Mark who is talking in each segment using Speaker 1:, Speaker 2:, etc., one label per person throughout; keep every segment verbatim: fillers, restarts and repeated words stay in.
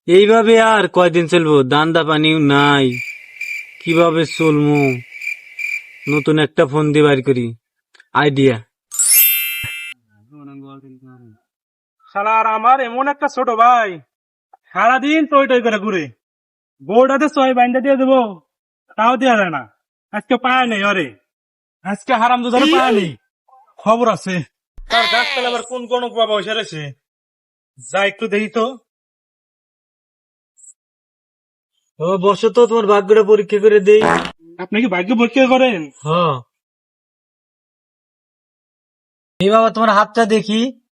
Speaker 1: এইভাবে আর কয়দিন চলবো? দান্দা পানিও নাই, কিভাবে চলবো? নতুন একটা ফোন দিয়ে বাইর করি আইডিয়া।
Speaker 2: শালার আমার এমন একটা ছোট ভাই সারাদিন টই টই করে ঘুরে, বউটাতে ছয় বাইন্দা দিয়ে দেবো তাও দেওয়া যায় না। আজকে পায় নেই অরে, আজকে হারাম দুধারে পায় নেই। খবর আছে তার গাছতলা আবার কোন কোন বাবা বসে রয়েছে, যা একটু দেখি তো।
Speaker 1: ও বসো তো, তোমার ভাগ্যটা পরীক্ষা করে দেই।
Speaker 2: আপনি কি ভাগ্য পরীক্ষা করেন?
Speaker 1: হ্যাঁ, এই বাবা তোমার হাতটা দেখি।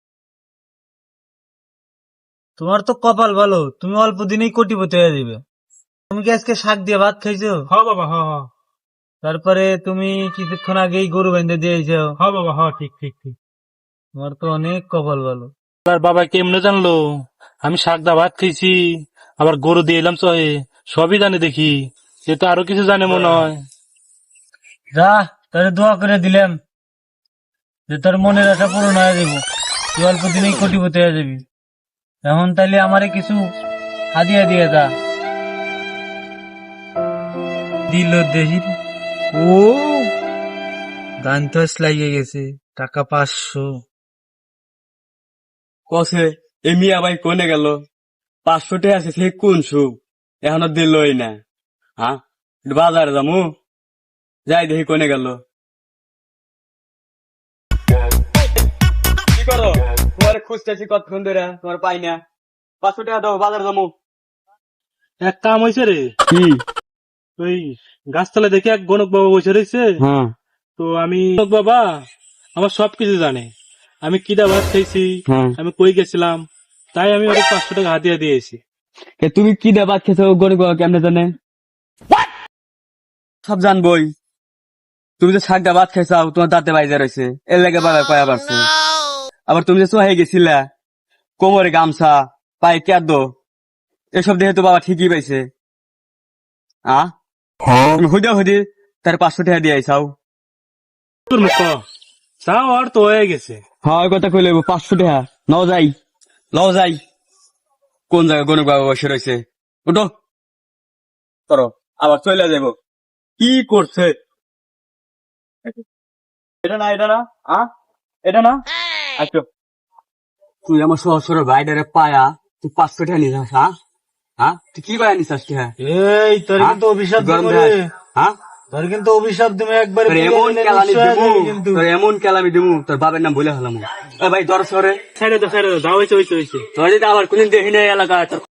Speaker 1: তোমার তো কপাল ভালো, তুমি অল্প দিনেই কোটিপতি হয়ে যাবে। তুমি কি আজকে শাক দিয়ে ভাত খাইছো?
Speaker 2: হ বাবা হ হ
Speaker 1: তারপরে তুমি কিছুক্ষণ আগেই গরু বেঁধে দিয়েছো।
Speaker 2: হ বাবা হ ঠিক ঠিক ঠিক।
Speaker 1: তোমার তো অনেক কপাল ভালো।
Speaker 2: তার বাবা কেমনে জানলো আমি শাক দা ভাত খাইছি, আবার গরু দিয়ে এলাম চহে? সবই জানে দেখি, সে তো আরো কিছু জানে মনে হয়।
Speaker 1: যা, তোরে দোয়া করে দিলাম যে তোর মনের আশা পূরণ হয়ে যাবো, তুই অল্প দিনেই কোটিপতি হয়ে যাবি। এখন তাইলে আমারে কিছু হাদিয়া দিয়ে যা। দিল দেখি, ও গান তো লাগিয়ে গেছে। টাকা পাঁচশো
Speaker 3: কসে এ মিয়া ভাই কোনে গেল? পাঁচশো টাকা আছে সে কোন সুখ, এখনো দিলই না। হ্যাঁ, একটু বাজারে যামু, যাই দেখি কোনে গেল। কি করো? তোমার খুঁজতেছি কতক্ষণ ধরে, তোমার পাই না। পাঁচশো টাকা দাও, বাজারে যামু।
Speaker 2: এক কাম হয়েছে রে,
Speaker 3: কি?
Speaker 2: ওই গাছতলা দেখে এক গণক বাবা বসে রয়েছে।
Speaker 3: হ্যাঁ
Speaker 2: তো আমি গণক বাবা আমার সবকিছু জানে, আমি কিদা ভাত খাইছি,
Speaker 3: হ্যাঁ।
Speaker 2: আমি কই গেছিলাম, তাই আমি ওর পাঁচশো টাকা হাতিয়ে দিয়েছি।
Speaker 3: এ তুমি কি দেবা খেছো? গরিব বাবা কেমনে জানে? সব জানবই। তুমি যে শাকটা ভাত খাইছাও, তোমার দাঁতে বাইজা রয়েছে, এর লেগে বাবা কয়া পারছে। আবার তুমি যে সোহাই গেছিলা, কোমরে গামছা, পায়ে কেদ, এসব দেখে তো বাবা ঠিকই পাইছে। আ তুমি হুদা হুদি তার পাঁচশো টাকা দিয়ে আইসাও।
Speaker 2: তোর মুখ চাও আর তো হয়ে গেছে।
Speaker 3: হ্যাঁ, ওই কথা কইলে পাঁচশো টাকা নাও, যাই লও যাই। কোন জায়গায় গণক বাবা বসে রয়েছে? উঠো, করো, আবার চলে যাবো। কি করছে এটা? না এটা না, আ এটা না। আচ্ছা, তুই আমার সহসর বাইডারে পায়া তুই পাঁচশো টাকা নিস? হ্যাঁ হ্যাঁ, তুই কি পায়া নিস আজকে? হ্যাঁ,
Speaker 1: এই তোর কিন্তু অভিশাপ
Speaker 3: গরম
Speaker 1: দিব
Speaker 3: দেয়।
Speaker 1: রে।
Speaker 3: হ্যাঁ,
Speaker 1: তোর কিন্তু অভিশাপ তুমি একবারে
Speaker 3: তোর
Speaker 1: পুড়িয়ে
Speaker 3: এমন
Speaker 1: দিলে
Speaker 3: কেলামি
Speaker 1: নিঃস্ব হয়ে
Speaker 3: দিমু,
Speaker 1: যাবি কিন্তু।
Speaker 3: তোর এমন কেলামি দিমু, তোর বাবার নাম বলে হলাম। ভাই দর সরে
Speaker 2: ছেড়ে দাও ছেড়ে দাও, যা হয়েছে হয়েছে হয়েছে।
Speaker 3: তোর যদি আবার কোনদিন দেখি না এলাকায় তোর